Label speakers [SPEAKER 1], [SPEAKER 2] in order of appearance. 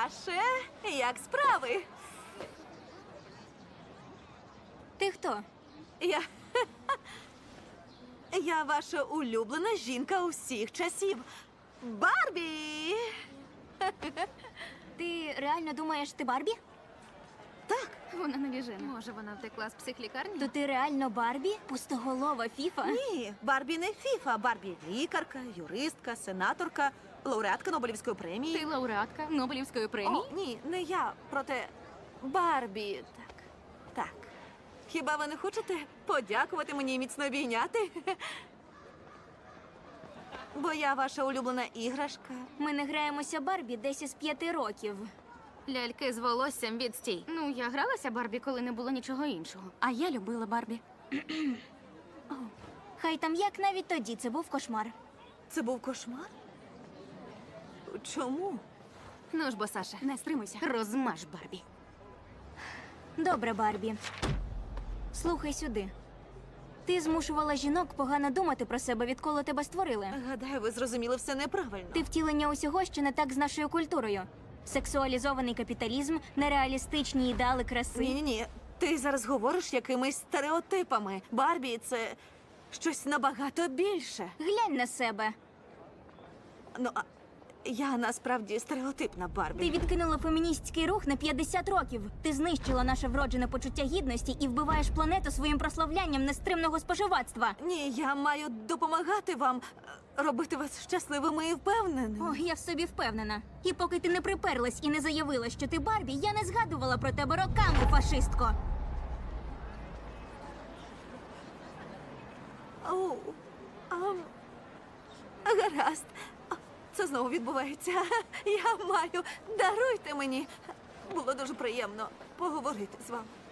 [SPEAKER 1] ваше, як справи?
[SPEAKER 2] Ти хто?
[SPEAKER 1] Я. Я ваша улюблена жінка усіх часів. Барбі!
[SPEAKER 2] Ти реально думаєш, ти Барбі?
[SPEAKER 3] Вона навіжена. Може, вона втекла з психлікарні?
[SPEAKER 2] То ти реально Барбі? Пустоголова фіфа?
[SPEAKER 1] Ні, Барбі не фіфа. Барбі лікарка, юристка, сенаторка, лауреатка Нобелівської премії.
[SPEAKER 3] Ти лауреатка Нобелівської премії?
[SPEAKER 1] О, ні, не я, проте Барбі. Так. Хіба ви не хочете подякувати мені і міцно обійняти? Бо я ваша улюблена іграшка.
[SPEAKER 2] Ми не граємося Барбі десь із 5 років.
[SPEAKER 3] Ляльки з волоссям відстій. Ну, я гралася Барбі, коли не було нічого іншого.
[SPEAKER 2] А я любила Барбі. Хай там як, навіть тоді це був кошмар.
[SPEAKER 1] Це був кошмар? Чому?
[SPEAKER 3] Ну ж бо, Саша, не стримуйся. Розмаж Барбі.
[SPEAKER 2] Добре, Барбі. Слухай сюди. Ти змушувала жінок погано думати про себе, відколи тебе створили.
[SPEAKER 1] Гадаю, ви зрозуміли все неправильно.
[SPEAKER 2] Ти втілення усього, що не так з нашою культурою. Сексуалізований капіталізм, нереалістичні ідеали краси.
[SPEAKER 1] Ні. Ти зараз говориш якимись стереотипами. Барбі – це щось набагато більше.
[SPEAKER 2] Глянь на себе.
[SPEAKER 1] Ну, а я насправді стереотипна Барбі.
[SPEAKER 2] Ти відкинула феміністський рух на 50 років. Ти знищила наше вроджене почуття гідності і вбиваєш планету своїм прославлянням нестримного споживацтва.
[SPEAKER 1] Ні, я маю допомагати вам, робити вас щасливими і впевненими.
[SPEAKER 2] О, я в собі впевнена. І поки ти не приперлась і не заявила, що ти Барбі, я не згадувала про тебе роками, фашистко.
[SPEAKER 1] Оу, гаразд. Це знову відбувається. Я маю. Даруйте мені. Було дуже приємно поговорити з вами.